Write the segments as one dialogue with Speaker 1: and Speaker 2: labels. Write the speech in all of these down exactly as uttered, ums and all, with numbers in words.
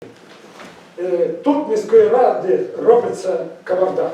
Speaker 1: Тут міської ради робиться кавардак.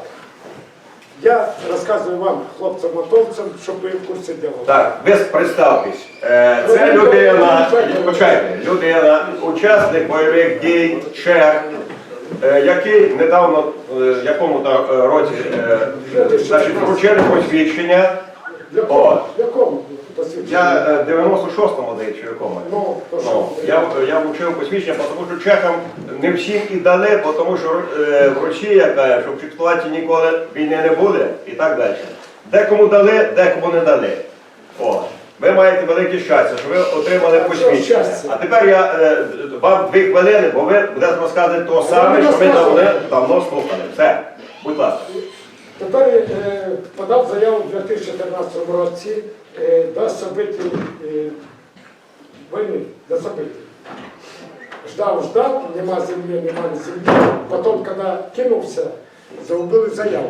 Speaker 1: Я розказую вам, хлопцям-мотовцям, щоб ви в курсі діла.
Speaker 2: Так, ви представтесь. Це людина, почекайте, людина, учасник бойових дій, чех, який недавно, в якому-то році, значить, вручили посвідчення.
Speaker 1: В якому?
Speaker 2: Я дев'яносто шостому десь, чи якому.
Speaker 1: Ну, то що?
Speaker 2: Ну, я, я вручив посвідчення, тому що чехам не всім і дали, тому що е, в Росії каже, що в Чехословакії ніколи війни не буде і так далі. Декому дали, декому не дали. О, ви маєте велике щастя, що ви отримали посвідчення. А тепер я е, вам дві хвилини, бо ви будете розказувати те саме, що ми давно, давно слухали. Все, будь ласка.
Speaker 1: Тепер е, подав заяву у дві тисячі чотирнадцятому році е, до событий е, війни, до событий. Ждав, ждав, нема землі, нема землі. Потім, коли кинувся, загубили заяву.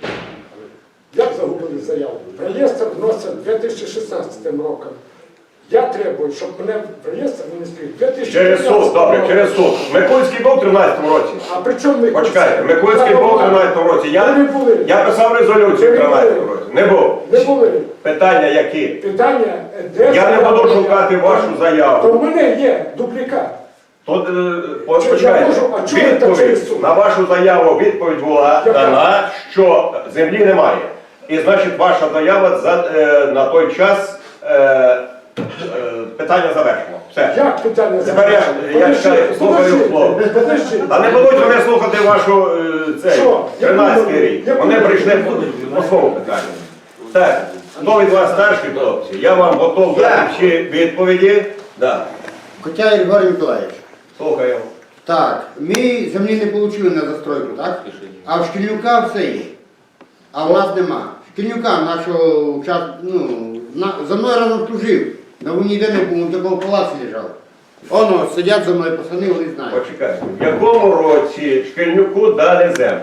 Speaker 1: Як загубили заяву? В реєстр вносять дві тисячі шістнадцятим роком. Я требую, щоб мене в реєстр внесли в дві тисячі
Speaker 2: Через суд, добре, через суд. Микульський був у тринадцятому році.
Speaker 1: А при чому Микульський?
Speaker 2: Почекайте, Микульський був у тринадцятому році. Я, я писав резолюцію в тринадцятому році. Не був.
Speaker 1: Не були.
Speaker 2: Питання які?
Speaker 1: Питання, де
Speaker 2: Я не буду шукати вашу
Speaker 1: То
Speaker 2: заяву.
Speaker 1: в мене є дублікат.
Speaker 2: То, е, почекайте, відповідь на вашу заяву відповідь була дана, що землі немає. І значить ваша заява за, е, на той час е, е, питання завершено. Все.
Speaker 1: Як питання
Speaker 2: Тепер я, я ще слухаю слово. Та не будуть вони слухати вашу е, цей тринадцятий рік. Вони прийшли по, по своєму питанню. Так, хто від вас старші хлопці? Я вам готов дати всі відповіді. Да.
Speaker 3: Хоча Григорій Миколаївич.
Speaker 2: Слухаю.
Speaker 3: Так, ми землі не отримали на застройку, так? А в Шкільнюка все є. А в нас нема. Шкільнюка нашого участка, ну, на, за мною разом служив. На війні ніде не був, він такого в палаці лежав. Оно, сидять за мною пацани, вони знають.
Speaker 2: Почекайте. В якому році Шкільнюку дали землю?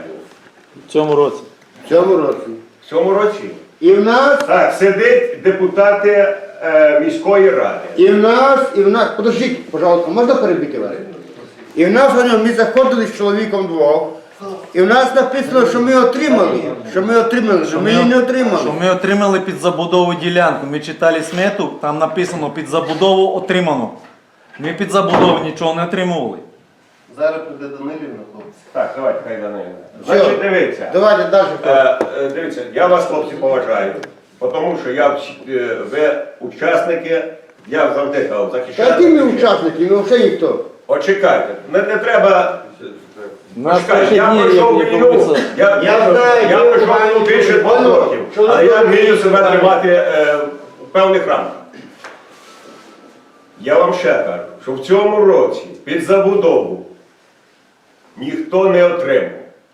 Speaker 4: В цьому році.
Speaker 3: В цьому році.
Speaker 2: В цьому році?
Speaker 3: І в нас,
Speaker 2: Так, сидить депутати е, міської ради.
Speaker 3: і в нас, і в нас, подождіть, пожалуйста, можна перебити вас? І в нас, воно, ми заходили з чоловіком двох, і в нас написано, що ми отримали, що ми отримали, що ми її не отримали.
Speaker 4: Що ми отримали під забудову ділянку. Ми читали смету, там написано під забудову отримано. Ми під забудову нічого не отримували.
Speaker 5: Зараз прийде Данилівна, хлопці.
Speaker 2: Так, давайте, хай Данилівна. Значить, дивіться.
Speaker 3: Давайте далі.
Speaker 2: Е, е, дивіться, я вас, хлопці, поважаю, тому що я, е, ви учасники, я завжди казав, захищати.
Speaker 3: Та які ми учасники, ми взагалі ніхто.
Speaker 2: От чекайте, не, не треба.
Speaker 4: Нас
Speaker 2: Почекайте,
Speaker 4: перші
Speaker 2: я
Speaker 4: дні,
Speaker 2: пройшов
Speaker 4: як
Speaker 2: війну,
Speaker 4: описав.
Speaker 2: я,
Speaker 3: Я
Speaker 2: я,
Speaker 3: знаю,
Speaker 2: я
Speaker 3: ви
Speaker 2: пройшов
Speaker 3: знаєте,
Speaker 2: війну більше двох
Speaker 3: воно,
Speaker 2: років,
Speaker 3: що
Speaker 2: але я
Speaker 3: ви
Speaker 2: вмію себе
Speaker 3: знаєте.
Speaker 2: тримати е, в певних рамках. Я вам ще кажу, що в цьому році під забудову ніхто не отримав.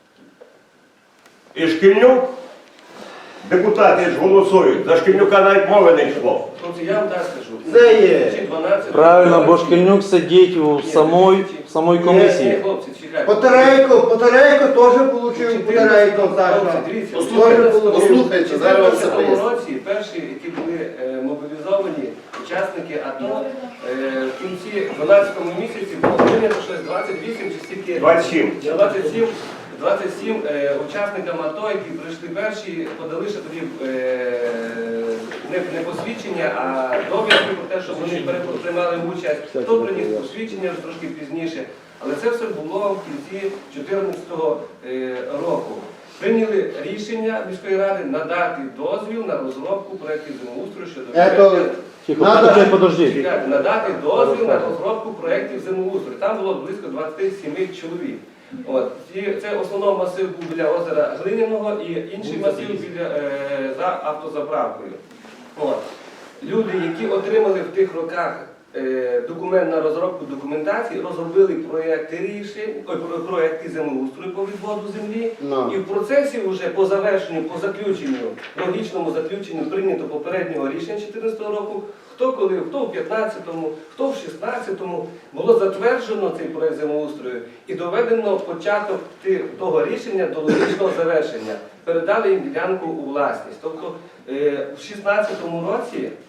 Speaker 2: І Шкільнюк, депутати ж голосують, за Шкільнюка навіть мови не йшло.
Speaker 6: Хлопці, я вам так скажу.
Speaker 3: Це є.
Speaker 4: Правильно, бо Шкільнюк сидить у самої, в самої
Speaker 6: Ні,
Speaker 4: комісії.
Speaker 6: хлопці, чекайте.
Speaker 3: Потерейко, Потерейко теж отримав, Потерейко, Саша.
Speaker 6: Дивіться,
Speaker 3: Теж получив.
Speaker 5: Послухайте, зараз вам все
Speaker 6: в
Speaker 5: поясню.
Speaker 6: цьому році перші, які були е, мобілізовані учасники АТО, е, в кінці дванадцятому місяці було прийнято щось двадцять вісім чи стільки?
Speaker 2: двадцять сім.
Speaker 6: двадцять сім, двадцять сім е, учасникам АТО, які прийшли перші, подали ще тоді е, не, не посвідчення, а довідки про те, що вони пере- приймали участь. Хто приніс посвідчення вже трошки пізніше. Але це все було в кінці дві тисячі чотирнадцятого е, року. Прийняли рішення міської ради надати дозвіл на розробку проєктів землеустрою щодо
Speaker 3: Ето,
Speaker 4: Тихо,
Speaker 3: Надо-
Speaker 4: подожди, подожди.
Speaker 6: Чекайте, надати дозвіл на розробку проєктів землеустрою. Там було близько двадцять сім чоловік. От. І це основний масив був біля озера Глиняного і інший масив біля, е, за автозаправкою. От. Люди, які отримали в тих роках е, документ на розробку документації, розробили проєкти рішень, ой, про- проєкти землеустрою по відводу землі.
Speaker 3: Ну.
Speaker 6: І в процесі вже по завершенню, по заключенню, логічному заключенню прийнято попереднього рішення дві тисячі чотирнадцятого року, хто коли, хто в п'ятнадцятому, хто в шістнадцятому, було затверджено цей проєкт землеустрою і доведено початок ти- того рішення до логічного завершення. Передали їм ділянку у власність. Тобто е, в шістнадцятому році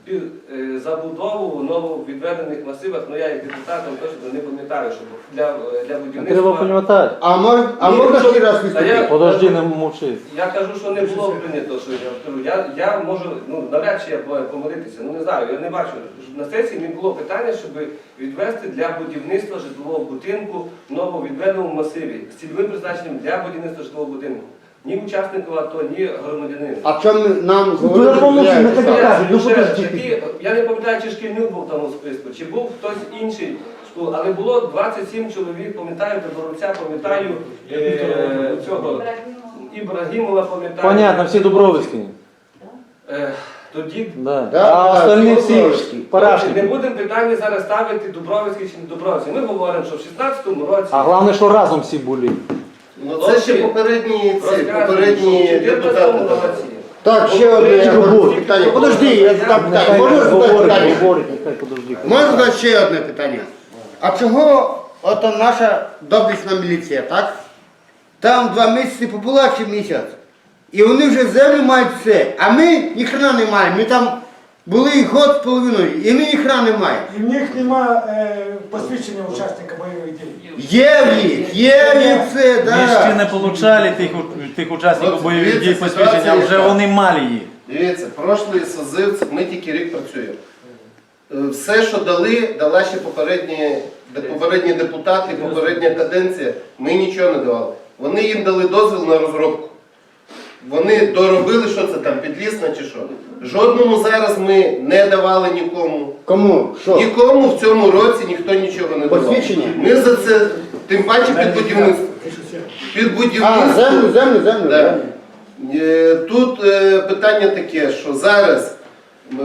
Speaker 6: під е, забудову нововідведених масивах, ну я як депутатом точно не пам'ятаю, що для, для
Speaker 4: Треба
Speaker 6: будівництва.
Speaker 4: пам'ятати.
Speaker 3: А, мож, а
Speaker 6: Ні,
Speaker 3: можна
Speaker 6: що-
Speaker 3: ще раз
Speaker 6: Та
Speaker 3: виступити?
Speaker 6: я-
Speaker 4: Подожди, не мовчи.
Speaker 6: Я кажу, що не було прийнято, що я кажу. Я, я можу, ну навряд чи я б- помилитися, ну не знаю, я не бачу. На сесії не було питання, щоб відвести для будівництва житлового будинку в нововідведеному масиві з цільовим призначенням для будівництва житлового будинку. Ні учаснику АТО, ні громадянину.
Speaker 3: А чому нам
Speaker 4: Ну,
Speaker 3: говорили,
Speaker 4: я помню,
Speaker 3: що
Speaker 4: що
Speaker 3: я
Speaker 4: ми
Speaker 3: писав?
Speaker 4: таке кажуть, ну,
Speaker 6: Ще
Speaker 4: подожди.
Speaker 6: такі- я не пам'ятаю, чи Шкільнюк був в тому списку, чи був хтось інший, школ- але було двадцять сім чоловік, пам'ятаю, Таборовця, пам'ятаю, е, цього Ібрагімова, пам'ятаю.
Speaker 4: Понятно, всі Дубровицькі.
Speaker 6: Е, Тоді
Speaker 4: Да.
Speaker 3: Да,
Speaker 4: А
Speaker 3: да,
Speaker 4: остальні
Speaker 3: всі
Speaker 4: всі
Speaker 3: Дубровицькі.
Speaker 6: не
Speaker 4: парашники.
Speaker 6: будемо питання зараз ставити Дубровицький чи не Дубровицький. Ми говоримо, що в шістнадцятому році
Speaker 4: А головне, що разом всі були.
Speaker 5: Ну це ще попередні ці,
Speaker 6: розказують,
Speaker 5: попередні
Speaker 6: що в
Speaker 5: депутати.
Speaker 6: чотирнадцятому
Speaker 5: давали.
Speaker 6: році
Speaker 3: Так, ще одне я
Speaker 4: Чого?
Speaker 3: хочу питання. Подожди, я задам питання.
Speaker 4: Нехай
Speaker 3: Можна задати
Speaker 4: говорить,
Speaker 3: питання?
Speaker 4: говорить, нехай подожди.
Speaker 3: Можна задати ще одне питання. А чого ото наша доблісна міліція, так? Там два місяці побула чи місяць. І вони вже землю мають все. А ми ніхрена не маємо. Ми там були год з половиною, і ми ніхрена не маємо.
Speaker 1: І в них нема е, посвідчення учасника бойових дій.
Speaker 3: Є в їх, є в їх все,
Speaker 4: Ми ще
Speaker 3: так.
Speaker 4: не получали тих, у- тих учасників
Speaker 5: От
Speaker 4: бойових
Speaker 5: дивіться,
Speaker 4: дій посвідчення, а
Speaker 5: ситуація
Speaker 4: вже
Speaker 5: яка.
Speaker 4: вони мали їх.
Speaker 5: Дивіться, прошлий созив, це ми тільки рік працюємо. Е, Все, що дали, дала ще попередні, де- попередні депутати, попередня каденція, ми нічого не давали. Вони їм дали дозвіл на розробку. Вони доробили, що це там, підлісна чи що. Жодному зараз ми не давали нікому.
Speaker 3: Кому? Що?
Speaker 5: Нікому в цьому році ніхто нічого не давав.
Speaker 3: Посвідчення?
Speaker 5: Ми за це, тим паче під будівництво. Під
Speaker 3: А,
Speaker 5: будівництво.
Speaker 3: землю, землю, землю.
Speaker 5: Да.
Speaker 3: землю.
Speaker 5: Е, Тут е, питання таке, що зараз е,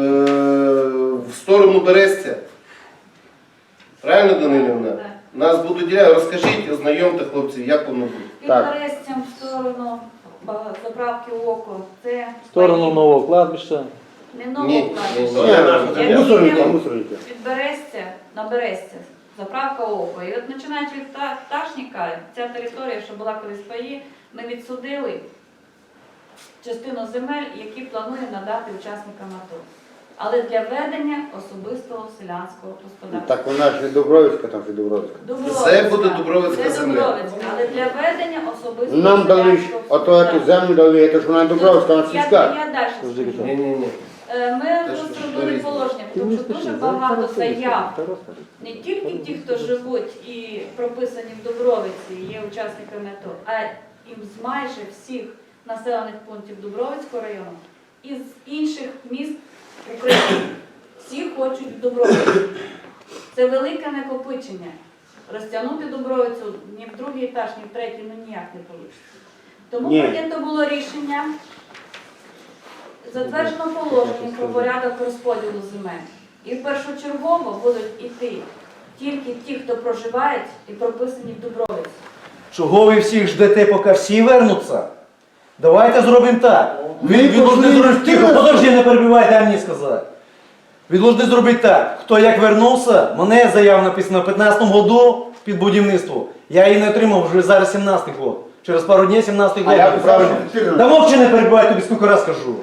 Speaker 5: в сторону Берестя, правильно, Данилівна? Нас будуть діляти. Розкажіть, ознайомте хлопців, як воно буде.
Speaker 7: Під
Speaker 3: Так.
Speaker 7: Берестям в сторону ба- заправки око. Це
Speaker 4: В сторону
Speaker 7: паї.
Speaker 4: нового кладбища.
Speaker 7: Не
Speaker 5: Ні,
Speaker 7: нового
Speaker 5: ні,
Speaker 7: кладбища.
Speaker 3: Ні,
Speaker 7: Як
Speaker 3: мусорника,
Speaker 7: йдемо
Speaker 3: мусорника.
Speaker 7: Від Берестя на Берестя. Заправка око. І от починаючи від Та- Пташника, ця територія, що була колись паї, ми відсудили частину земель, які плануємо надати учасникам АТО. Але для ведення особистого селянського господарства.
Speaker 3: Так вона ж не Дубровицька, там же Дубровицька.
Speaker 7: Дубровицька.
Speaker 5: Це буде Дубровицька
Speaker 7: Це
Speaker 5: земля.
Speaker 7: Дубровицька, але для ведення особистого
Speaker 3: Нам дали ж,
Speaker 7: селянського
Speaker 3: ото
Speaker 7: господарства.
Speaker 3: эту землю дали, це ж вона не Дубровицька, вона
Speaker 7: Я,
Speaker 3: сільська.
Speaker 7: я далі
Speaker 4: Подожди,
Speaker 7: скажу.
Speaker 5: Ні, ні, ні.
Speaker 7: Е, Ми
Speaker 5: Те, що
Speaker 7: розробили
Speaker 5: різне.
Speaker 7: положення, тому що дуже багато заяв, не тільки ті, хто живуть і прописані в Дубровиці, є учасниками АТО, а і з майже всіх населених пунктів Дубровицького району і з інших міст України. Всі хочуть в Дубровицю. Це велике накопичення. Розтягнути Дубровицю ні в другий етаж, ні в третій, ну ніяк не вийде. Тому
Speaker 3: Ні.
Speaker 7: прийнято було рішення. Затверджено положення про порядок розподілу земель. І першочергово будуть іти тільки ті, хто проживають і прописані в Дубровиці.
Speaker 4: Чого ви всіх ждете, поки всі вернуться? Давайте зробимо так. Ви,
Speaker 3: Ми
Speaker 4: ви должны
Speaker 3: пошли
Speaker 4: зробити,
Speaker 3: в
Speaker 4: тихо,
Speaker 3: тирс.
Speaker 4: подожди, не перебивай, дай мені сказати. Ви должны зробити так. Хто як вернувся, мене заява написана в п'ятнадцятому году під будівництво. Я її не отримав вже зараз сімнадцятий год. Через пару днів сімнадцятий
Speaker 3: А
Speaker 4: год.
Speaker 3: я
Speaker 4: буде
Speaker 3: писав,
Speaker 4: правильно.
Speaker 3: що чотирнадцятий.
Speaker 4: Та мовчи не перебивай, тобі скільки раз кажу.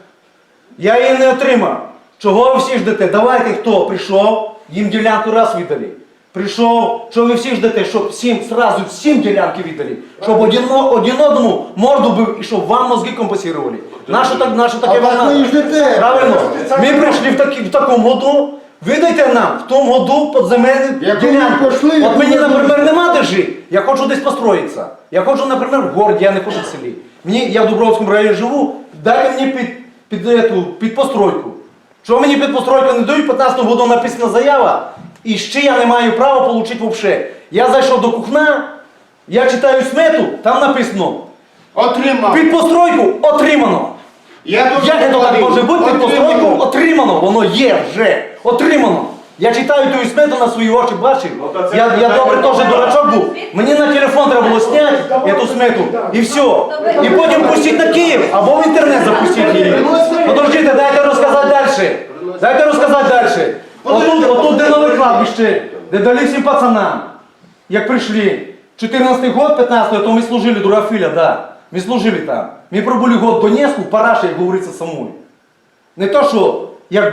Speaker 4: Я її не отримав. Чого ви всі ждете? Давайте, хто прийшов, їм ділянку раз видали. Прийшов, що ви всі ждете, щоб всім, сразу всім ділянки видали. Щоб один, один одному морду бив і щоб вам мозги компенсували. Наше, так, наше таке
Speaker 3: А так ви і ждете.
Speaker 4: Правильно? Ми прийшли в, такі, в такому году, видайте нам в тому году подземельну
Speaker 3: Як ви
Speaker 4: ділянку.
Speaker 3: пішли,
Speaker 4: От
Speaker 3: як
Speaker 4: мені,
Speaker 3: ви
Speaker 4: наприклад,
Speaker 3: пішли.
Speaker 4: нема де жити, я хочу десь построїтися. Я хочу, наприклад, в городі, я не хочу в селі. Мені, я в Дубровському районі живу, дайте мені під, під, эту, під постройку. Чого мені під постройку не дають, в п'ятнадцятому году написана заява, і ще я не маю права отримати взагалі. Я зайшов до кухня, я читаю смету, там написано,
Speaker 3: Отримав.
Speaker 4: під постройку отримано.
Speaker 3: Я
Speaker 4: Як
Speaker 3: дуже
Speaker 4: це так
Speaker 3: говорив.
Speaker 4: може бути? Під постройку
Speaker 3: Отримав.
Speaker 4: отримано, воно є вже, отримано. Я читаю ту смету на свої очі, бачив.
Speaker 2: Ну, то це
Speaker 4: Я, я
Speaker 2: питання
Speaker 4: добре теж
Speaker 2: немає.
Speaker 4: дурачок був. Мені на телефон треба було зняти цю смету і все. І потім пустити на Київ, або в інтернет запустити її. Подождите, дайте розказати далі. Дайте розказати далі. Отут, отут де нове кладбище, де дали всім пацанам. Як прийшли. чотирнадцятий год, п'ятнадцятий, то ми служили, друга філя, да. Ми служили там. Ми пробули год в Донецьку, в Параші, як говориться, самому. Не то, що як був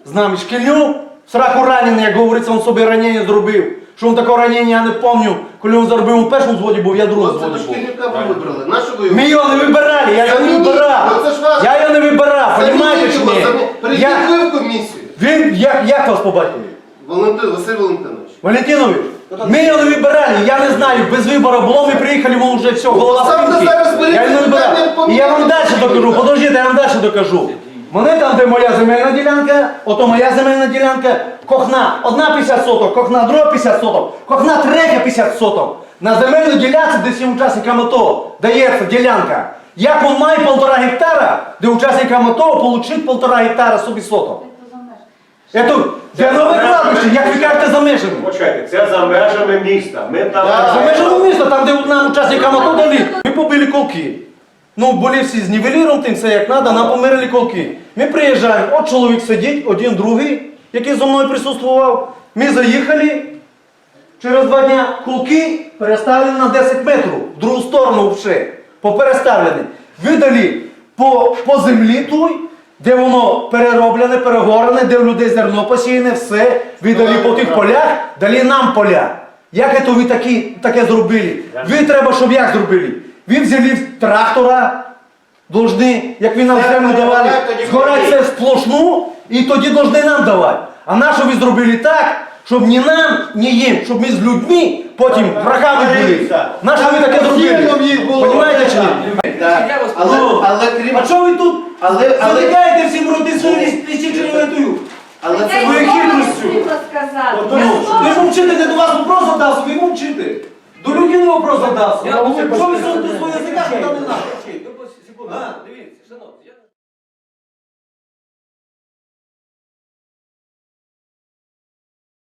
Speaker 4: з нами Шкільнюк, в сраку ранений, як говориться, він собі ранення зробив. Що він такого ранення, я не пам'ятаю, коли він зробив, він в першому зводі був, я в другому
Speaker 5: Оце ви
Speaker 4: зводі був.
Speaker 5: Шкільнюка ви вибрали. На що ви його?
Speaker 4: Ми його не вибирали, я його не вибирав.
Speaker 5: Ну, це ж ваш-
Speaker 4: Я його не вибирав, розумієте чи
Speaker 5: Замініть його,
Speaker 4: ні?
Speaker 5: замі- Прийдіть
Speaker 4: Я-
Speaker 5: ви в комісію.
Speaker 4: Він, як, як вас по батькові?
Speaker 5: Валентин, Василь Валентинович.
Speaker 4: Валентинович, ми його не вибирали, я не знаю, без вибору було, ми приїхали, ми вже все, голова
Speaker 5: Сам
Speaker 4: в
Speaker 5: ти
Speaker 4: пінки.
Speaker 5: зараз беріть
Speaker 4: Я його не вибирав.
Speaker 5: питання,
Speaker 4: І я вам далі
Speaker 5: поміняйте.
Speaker 4: докажу, подождіть, я вам далі докажу. Мене там, де моя земельна ділянка, ото моя земельна ділянка, кохна, одна п'ятдесят соток, кохна друга п'ятдесят соток, кохна третя п'ятдесят соток. На земельну ділянці, де всім учасникам АТО дається ділянка. Як він має полтора гектара, де учасникам АТО отримати полтора гектара собі соток. Це де нове кладбище, як ви кажете, за межами.
Speaker 2: Почекайте, це за межами міста. Ми там...
Speaker 4: За межами міста, там, де нам учасникам АТО дали, ми побили колки. Ну, були всі з нівеліром, тим все як треба, нам помирили колки. Ми приїжджаємо, от чоловік сидить, один другий, який зі мною присутствував. Ми заїхали, через два дня колки переставлені на десять метрів, в другу сторону вже, попереставлені. Видали по, по землі той, де воно перероблене, перегорене, де в людей зерно посіяне, все, видали по тих полях, дали нам поля. Як це ви такі, таке зробили? Ви треба, щоб як зробили? Ви взяли трактора, должны, як ви нам землю давали, згорати це сплошну, і тоді должны нам давати. А на що ви зробили так, щоб ні нам, ні їм, щоб ми з людьми потім врагами були? На що ви таке зробили? Понимаєте чи ні?
Speaker 6: Я вас
Speaker 5: Але,
Speaker 4: Ну,
Speaker 5: але крім...
Speaker 4: А що ви тут
Speaker 5: Але, але,
Speaker 4: затикаєте всім роти свої лісічою?
Speaker 5: але це
Speaker 7: Я
Speaker 4: ви
Speaker 7: й
Speaker 4: хитростю.
Speaker 7: хотіла сказати.
Speaker 4: Ну,
Speaker 7: Я
Speaker 4: ви ж мовчите, не до вас вопрос задався, ви мовчите. До людини вопрос задався.
Speaker 6: Я-
Speaker 4: Що ви сьогодні своє язика, що там не треба?
Speaker 6: Секунду, дивіться.